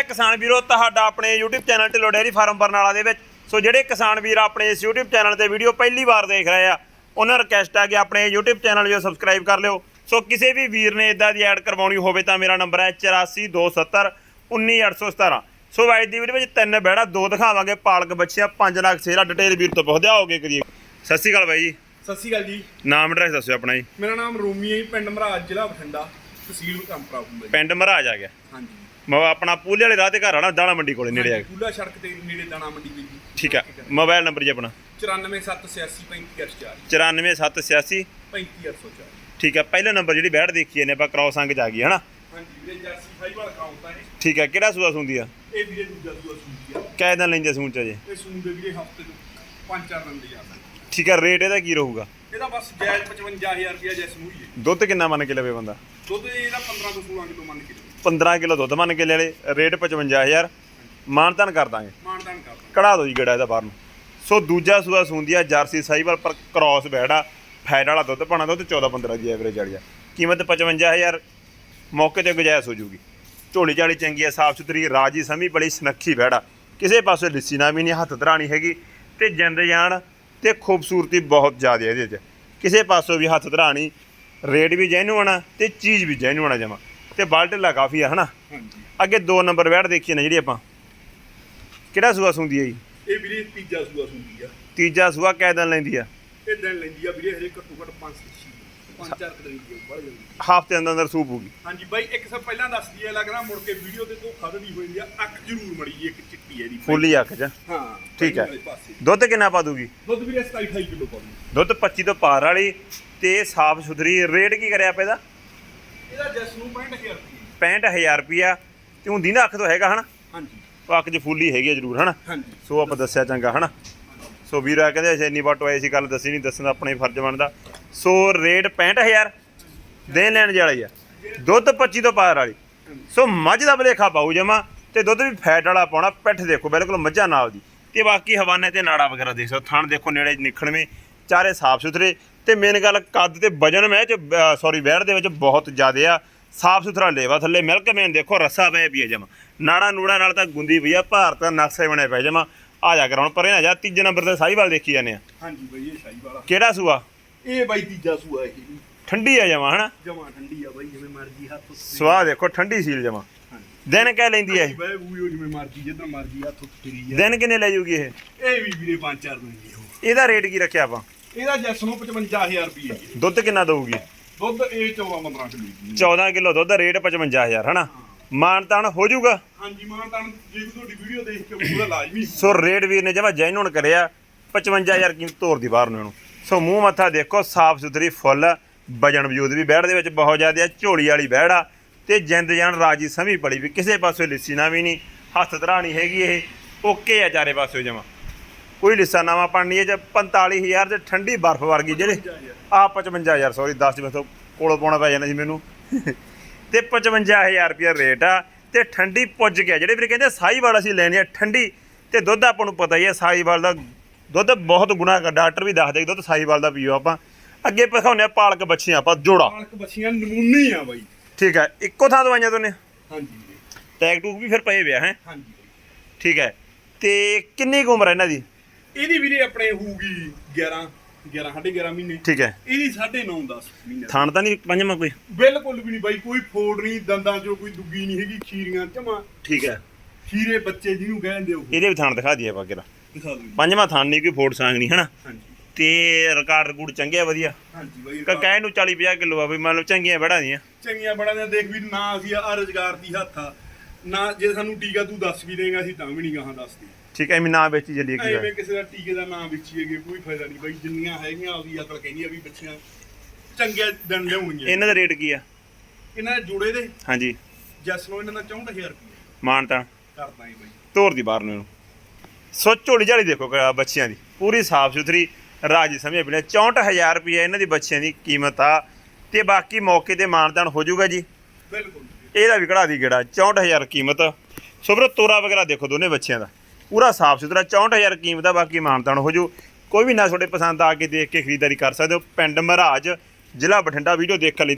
किसान वीरो तुहाडा अपने YouTube channel Dhillon dairy farm Barnala दे विच। सो जिहड़े किसान वीर अपने इस यूट्यूब चैनल ते वीडियो पहली बार देख रहे हैं उन्हें रिक्वेस्ट है कि अपने यूट्यूब चैनल जो सबसक्राइब कर लियो। सो किसी भी वीर ने इदा की ऐड करवानी हो तो मेरा नंबर है 84 270 19817। सो अज की वीडियो में 3 बैड़ा 2 दिखावे पालक बच्चियां 5 लाख सेरा। डिटेल वीर तो बहुत आओगे करिए। सत श्री अकाल भाई जी। सत श्री अकाल जी। नाम एड्रैस दसो अपना जी। मेरा नाम रोमी है, पिंड महाराज, जिला बठिंडा, तहसील कंपरा। पिंड महाराज आ गया। हाँ जी। मैं अपना पूले वाले राह घर आना दाणा मंडी को नेड़े आ गया। पूला सड़क के नेड़े दाणा मंडी जी। ठीक है। मोबाइल नंबर जी अपना 94 786 94 786 35 ठीक है। पहले नंबर जी बैठ देखिए ने आप क्रॉस अंग आ गई है ना। हाँ जी वीरे जर्सी फाइबर काउंट है। ठीक है। किहड़ा सूआ सूंदी आ? ये वीरे दूजा सूआ सूंदी आ। कै दिन लेंदे सून च जे? ये सूंदे वीरे हफ्ते ਨੂੰ 5-4 दिन ले ਜਾਂਦਾ। ठीक है। रेट ਇਹਦਾ ਕੀ ਰਹੂਗਾ? ਇਹਦਾ ਬਸ ਜਾਇਜ਼ 55000 ਰੁਪਿਆ ਜੈਸ ਨੂੰ ਹੀ ਹੈ। ਦੁੱਧ ਕਿੰਨਾ ਮੰਨ ਕੇ ਲਵੇ ਬੰਦਾ? ਦੁੱਧ ਇਹਦਾ 15 ਤੋਂ 16 ਕਿਲੋ ਮੰਨ ਕੇ 15 ਕਿਲੋ ਦੁੱਧ ਮੰਨ ਕੇ ਲੈ ਲੈ। ਰੇਟ 55000 ਮਾਨਤਾਨ ਕਰ ਦਾਂਗੇ। ਮਾਨਦਾਨ ਕਰ ਦਾਂਗੇ। ਕਢਾ ਦਿਓ ਜੀ ਗੇੜਾ ਇਹਦਾ ਬਾਹਰ ਨੂੰ। ਸੋ ਦੂਜਾ ਸੂਆ ਸੂੰਦੀ ਆ ਜਰਸੀ ਸਾਈਵਾਲ ਪਰ ਕ੍ਰੋਸ ਬੈੜਾ ਫੈਟ ਵਾਲਾ ਦੁੱਧ ਪਾਣਾ ਦੁੱਧ 14-15 ਦੀ ਐਵਰੇਜ ਵਾਲੀ ਆ। ਕੀਮਤ 55000 ਮੌਕੇ ਤੇ ਗੁਜਾਇਸ਼ ਹੋ ਜੂਗੀ। ਝੋਲੀ ਝਾਲੀ ਚੰਗੀ ਆ, ਸਾਫ ਸੁਥਰੀ, ਰਾਜੀ ਸਮੀ ਬੜੀ ਸੁਨੱਖੀ ਬੈੜਾ, ਕਿਸੇ ਪਾਸੇ ਲਿੱਸੀ ਨਾ ਵੀ ਨਹੀਂ, ਹੱਥ ਧਰਾਣੀ ਹੈਗੀ ਤੇ ਜਿੰਦ ਜਾਨ ਤੇ ਖੂਬਸੂਰਤੀ ਬਹੁਤ ਜ਼ਿਆਦਾ ਇਹਦੇ 'ਚ, ਕਿਸੇ ਪਾਸੋਂ ਵੀ ਹੱਥ ਧਰਾਣੀ। ਰੇਟ ਵੀ ਜੈਨੂਅਨ ਆ ਤੇ ਚੀਜ਼ ਵੀ ਜੈਨੂਅਨ ਆ ਜਮਾ ਤੇ ਬਲ ਢਿੱਲਾ ਕਾਫੀ ਆ ਹਨਾ। ਅੱਗੇ 2 ਨੰਬਰ ਬੈੜ ਦੇਖੀਏ ਨਾ ਜਿਹੜੀ ਆਪਾਂ, ਕਿਹੜਾ ਸੂਆ ਸੁੰਦੀ ਆ ਜੀ? ਇਹ ਵੀਰੇ ਤੀਜਾ ਸੂਆ ਸੁੰਦੀ ਆ। ਤੀਜਾ ਸੂਆ ਕੈ ਦਿਨ ਲੈਂਦੀ ਆ? ਇਹ ਦਿਨ ਲੈਂਦੀ ਆ ਵੀਰੇ ਹਰੇ ਘੱਟੋ ਘੱਟ 5-4 ਦਿਨ ਦੀ ਬੜ ਜਾਂਦੀ। ਹਫ਼ਤੇ ਅੰਦਰ ਸੂਪ ਹੋਊਗੀ। ਹਾਂਜੀ ਬਾਈ ਇੱਕ ਸਭ ਪਹਿਲਾਂ ਦੱਸਦੀ ਹੈ, ਲੱਗਦਾ ਮੁੜ ਕੇ ਵੀਡੀਓ ਤੇ ਧੋਖਾ ਧੜੀ ਹੋਈ ਆ। ਅੱਖ ਜ਼ਰੂਰ ਮੜੀ ਜੀ, ਇੱਕ ਚਿੱਟੀ ਹੈ ਦੀ ਫੁੱਲੀ ਅੱਖ 'ਚ। ਹਾਂ ਠੀਕ ਹੈ। ਦੁੱਧ ਕਿੰਨਾ ਪਾ ਦੂਗੀ? ਦੁੱਧ ਵੀਰੇ 27-28 ਕਿਲੋ ਪਾਉਂਦੀ। ਦੁੱਧ 25 ਤੋਂ ਪਾਰ ਵਾਲੀ ਤੇ ਸਾਫ ਸੁਥਰੀ। ਰੇਟ ਕੀ ਕਰਿਆ ਆਪਾਂ ਇਹਦਾ? ਇਹਦਾ ਜਸ ਨੂੰ 65000 ਰੁਪਏ। 65000 ਰੁਪਿਆ ਤੇ ਹੁੰਦੀ ਨਾ ਅੱਖ ਤੋਂ ਹੈਗਾ ਹਨਾ। ਹਾਂਜੀ ਉਹ ਅੱਖ 'ਚ ਫੁੱਲੀ ਹੈਗੀ ਜ਼ਰੂਰ ਹਨਾ। ਹਾਂਜੀ। ਸੋ ਆਪਾਂ ਦੱਸਿਆ ਚੰਗਾ ਹਨਾ। ਸੋ ਵੀਰ ਆ ਕਹਿੰਦੇ ਇੰਨੀ ਵਾਟੋ ਆਈ ਸੀ, ਗੱਲ ਦੱਸੀ ਨਹੀਂ, ਦੱਸਣਾ ਆਪਣੇ ਫਰਜ਼ ਬਣਦਾ। ਸੋ ਰੇਟ 65000 ਦੇਣ ਲੈਣ ਵਾਲੀ ਆ। ਦੁੱਧ 25 ਤੋਂ ਪਾਰ ਵਾਲੀ। ਸੋ ਮੱਝ ਦਾ ਭਲੇਖਾ ਪਾਊ ਜਮਾ ਤੇ ਦੁੱਧ ਵੀ ਫੈਟ ਵਾਲਾ ਪਾਉਣਾ। ਪਿੱਠ ਦੇਖੋ ਬਿਲਕੁਲ ਮੱਝਾਂ ਨਾਲ ਦੀ ਤੇ ਬਾਕੀ ਹਵਾਨੇ ਤੇ ਨਾੜਾ ਵਗੈਰਾ ਦੇਖ ਸਕਦੇ। ਥਣ ਦੇਖੋ ਨੇੜੇ ਨਿਖਣਵੇਂ, ਚਾਰੇ ਸਾਫ ਸੁਥਰੇ ਤੇ ਮੇਨ ਗੱਲ ਕੱਦ ਤੇ ਵਜਨ ਮੈਂ ਚ ਵੈੜ ਦੇ ਵਿੱਚ ਬਹੁਤ ਜ਼ਿਆਦਾ ਆ। ਸਾਫ ਸੁਥਰਾ ਲੇਵਾ, ਥੱਲੇ ਮਿਲਕ ਮੇਨ ਦੇਖੋ ਰੱਸਾ ਪਏ ਪਈ ਆ ਜਮਾ। ਨਾੜਾ ਨੂੜਾ ਨਾਲ ਤਾਂ ਗੁੰਦੀ ਪਈ ਆ, ਭਾਰਤ ਦਾ ਨਕਸ਼ੇ ਬਣੇ ਪਏ ਜਮਾ। ਆ ਜਾ ਕਰ ਹੁਣ ਪਰੇ ਨਾ ਜਾ। ਤੀਜੇ ਨੰਬਰ ਤੇ ਸਾਹੀਵਾਲ ਦੇਖੀ ਜਾਂਦੇ ਆ। ਹਾਂਜੀ ਬਾਈ ਇਹ ਸਾਹੀਵਾਲ। ਕਿਹੜਾ ਸੂਆ? ਇਹ ਬਾਈ ਤੀਜਾ ਸੂਆ ਇਹ ਠੰਡੀ ਆ ਜਮਾ ਹਨਾ। ਜਮਾ ਠੰਡੀ ਆ ਬਾਈ, ਜਿਵੇਂ ਮਰਜੀ ਹੱਥ ਸਵਾਹ ਦੇਖੋ ਠੰਡੀ ਸੀਲ ਜਮਾ। ਦਿਨ ਕਹਿ ਲੈਂਦੀ ਐ ਬਾਈ ਉਹ ਜਿਵੇਂ ਮਰਜੀ ਜਿੱਦਾਂ ਮਰਜੀ ਹੱਥ ਫਰੀ ਆ। ਦਿਨ ਕਿੰਨੇ ਲੈ ਜੂਗੀ ਇਹ? ਇਹ ਵੀ ਵੀਰੇ 5-4 ਦਿਨ ਦੀ ਹੋ। ਇਹਦਾ ਰੇਟ ਕੀ ਰੱਖਿਆ ਆਪਾਂ? ਇਹਦਾ ਜਸ ਨੂੰ 55000 ਰੁਪਏ। ਦੁੱਧ ਕਿੰਨਾ ਦਊਗੀ? ਦੁੱਧ ਇਹ 14-15 ਕਿਲੋ। 14 ਕਿਲੋ ਦੁੱਧ, ਰੇਟ 55000 ਹਨਾ। ਮਾਨਤਾਨ ਹੋ ਜਾਊਗਾ? ਹਾਂਜੀ ਮਾਨਤਾਨ ਜੇ ਤੁਹਾਡੀ ਵੀਡੀਓ ਦੇਖ ਕੇ ਪੂਰਾ ਲਾਜ਼ਮੀ। ਸੋ ਰੇਟ ਵੀਰ ਨੇ ਜਮਾ ਜੈਨੂਨ ਕਰਿਆ। 55000 ਕੀਮਤ ਤੋਰ ਦੀ ਬਾਹਰ ਨੂੰ ਇਹਨੂੰ। ਸੋ ਮੂੰਹ ਮੱਥਾ ਦੇਖੋ ਸਾਫ ਸੁਥਰੀ, ਫੁੱਲ ਵਜਨ ਵਜੂਦ ਵੀ ਬੈੜ ਦੇ ਵਿੱਚ ਬਹੁਤ ਜ਼ਿਆਦਾ ਆ। ਝੋਲੀ ਵਾਲੀ ਬੈੜ ਆ ਤੇ ਜਿੰਦ ਜਾਨ ਰਾਜੀ ਸਮੀ ਪੜੀ ਵੀ, ਕਿਸੇ ਪਾਸੇ ਲਿੱਸੀ ਨਾ ਵੀ ਨਹੀਂ, ਹੱਥ ਧਰਾਣੀ ਹੈਗੀ। ਇਹ ਓਕੇ ਆ ਚਾਰੇ ਪਾਸੇ ਜਮਾ, ਕੋਈ ਲਿੱਸਾ ਨਾਵਾ ਪਾਣੀ ਹੈ। ਜੇ 45000 ਤੇ ਠੰਡੀ ਬਰਫ਼ ਵਰਗੀ ਜਿਹੜੇ ਆ 55000 ਸੌਰੀ 10 ਜਿਵੇਂ ਤੋਂ ਕੋਲੋਂ ਪਾਉਣਾ ਪੈ ਜਾਣਾ ਜੀ ਮੈਨੂੰ ਤੇ 55000 ਰੁਪਇਆ ਰੇਟ ਆ ਤੇ ਠੰਡੀ ਪੁੱਜ ਗਿਆ। ਜਿਹੜੇ ਵੀਰੇ ਕਹਿੰਦੇ ਸਾਹੀਵਾਲ ਅਸੀਂ ਲੈਣੀ ਆ ਠੰਡੀ ਤੇ ਦੁੱਧ ਆਪਾਂ ਨੂੰ ਪਤਾ ਹੀ ਹੈ ਸਾਹੀਵਾਲ ਦਾ ਦੁੱਧ ਬਹੁਤ ਗੁਣਾ ਕਰ। ਡਾਕਟਰ ਵੀ ਦੱਸਦੇ ਦੁੱਧ ਸਾਹੀਵਾਲ ਦਾ ਪੀਓ। ਆਪਾਂ ਅੱਗੇ ਦਿਖਾਉਂਦੇ ਆ ਪਾਲਕ ਬੱਚੀਆਂ ਆਪਾਂ ਜੋੜਾ। ਪਾਲਕ ਬੱਚੀਆਂ ਨਮੂਨੇ ਆ ਬਾਈ। ਠੀਕ ਹੈ। ਇੱਕੋ ਥਾਂ ਦਵਾਈਆਂ ਦੋਨੇ? ਹਾਂਜੀ ਟੈਗ ਟੂਕ ਵੀ ਫਿਰ ਪਏ ਵਿਆ ਹੈ? ਹਾਂਜੀ। ਠੀਕ ਹੈ। ਤੇ ਕਿੰਨੀ ਕੁ ਉਮਰ ਹੈ ਇਹਨਾਂ ਦੀ? ਇਹਦੀ ਵੀਰੇ ਆਪਣੇ ਹੋਊਗੀ 11.5 ਮਹੀਨੇ। ਠੀਕ ਹੈ। ਇਹਦੀ 9.5-10 ਮਹੀਨੇ। ਥਾਣ ਤਾਂ ਨਹੀਂ ਪੰਜਵਾਂ ਕੋਈ? ਬਿਲਕੁਲ ਵੀ ਨਹੀਂ ਬਾਈ, ਕੋਈ ਫੋੜ ਨਹੀਂ, ਦੰਦਾਂ 'ਚੋਂ ਕੋਈ ਦੁੱਗੀ ਨਹੀਂ ਹੈਗੀ, ਖੀਰੀਆਂ ਜਮਾ। ਠੀਕ ਹੈ। ਖੀਰੇ ਬੱਚੇ ਜਿਹਨੂੰ ਕਹਿੰਦੇ ਉਹ। ਇਹਦੇ ਵੀ ਥਾਣ ਦਿਖਾ ਦਈਏ ਆਪਾਂ ਕਿਹੜਾ। ਦਿਖਾ ਦਿਓ। ਪੰਜਵਾਂ ਥਾਣ ਨਹੀਂ, ਕੋਈ ਫੋੜ ਸਾਂਗ ਨਹੀਂ ਹਨਾ। ਹਾਂਜੀ ਤੇ ਰਿਕਾਰਡ ਰਿਕੂਡ ਚੰਗੇ ਆ ਵਧੀਆ। ਹਾਂਜੀ ਬਾਈ ਕਹਿ ਨੂੰ 40-50 ਕਿਲੋ ਆ ਵੀ ਮੰਨ ਲਓ ਚੰਗੀਆਂ ਬੜਾ ਦੀਆਂ। ਚੰਗੀਆਂ ਬੜਾ ਦੀਆਂ ਦੇਖ ਵੀ ਨਾ ਅਸੀਂ ਆ ਰੁਜ਼ਗਾਰ ਦੀ ਹੱਥ ਆ ਨਾ। ਜੇ ਸਾਨੂੰ ਟੀਕਾ ਤੂੰ ਦੱਸ ਵੀ ਦੇਂਗਾ ਅਸੀਂ ਤਾਂ ਵੀ ਨਹੀਂ ਗਾਹਾਂ ਦੱਸਦੇ। ਠੀਕ ਐ। ਮੈਂ ਨਾ ਵੇਚੀ ਚੱਲੀਏ ਕੀ ਐਵੇਂ ਕਿਸੇ ਦਾ ਟੀਕੇ ਦਾ ਨਾਮ ਵੇਚੀਏਗੇ ਕੋਈ ਫਾਇਦਾ ਨਹੀਂ ਬਾਈ। ਜਿੰਨੀਆਂ ਹੈਗੀਆਂ ਆਪਦੀ ਅਕਲ ਕਹਿੰਦੀ ਆ ਵੀ ਬੱਚੀਆਂ ਚੰਗੇ ਦਿਨ ਲਿਆਉਣਗੀਆਂ। ਇਹਨਾਂ ਦਾ ਰੇਟ ਕੀ ਆ? ਇਹਨਾਂ ਦੇ ਜੋੜੇ ਦੇ ਹਾਂਜੀ ਜਸ ਨੂੰ ਇਹਨਾਂ ਦਾ 64000 ਰੁਪਏ ਮਾਨਤਾ ਕਰਦਾ ਹੀ ਬਾਈ। ਤੋਰ ਦੀ ਬਾਹਰ ਨੂੰ ਇਹਨੂੰ। ਸੋ ਝੋਲੀ ਝਾਲੀ ਦੇਖੋ ਬੱਚਿਆਂ ਦੀ ਪੂਰੀ ਸਾਫ ਸੁਥਰੀ, ਰਾਜੀ ਸਮਝ ਪੀਣੇ। 64000 ਰੁਪਏ ਇਹਨਾਂ ਦੀ ਬੱਚਿਆਂ ਦੀ ਕੀਮਤ ਆ ਤੇ ਬਾਕੀ ਮੌਕੇ ਤੇ ਮਾਨਦਾਨ ਹੋ ਜਾਊਗਾ ਜੀ। ਬਿਲਕੁਲ ਇਹਦਾ ਵੀ ਕਢਾ ਦੀ ਗੇੜਾ। 64000 ਕੀਮਤ। ਸੋ ਫਿਰ ਤੋਰਾ ਵਗੈਰਾ ਦੇਖੋ ਦੋਨੇ ਬੱਚਿਆਂ ਦਾ ਪੂਰਾ ਸਾਫ ਸੁਥਰਾ। 64000 ਕੀਮਤ ਆ, ਬਾਕੀ ਮਾਨਦਾਨ ਹੋ ਜੂ। ਕੋਈ ਵੀ ਨਾ ਤੁਹਾਡੇ ਪਸੰਦ ਆ ਕੇ ਦੇਖ ਕੇ ਖਰੀਦਦਾਰੀ ਕਰ ਸਕਦੇ ਹੋ। ਪਿੰਡ ਮਹਾਰਾਜ, ਜ਼ਿਲ੍ਹਾ ਬਠਿੰਡਾ। ਵੀਡੀਓ ਦੇਖਣ ਲਈ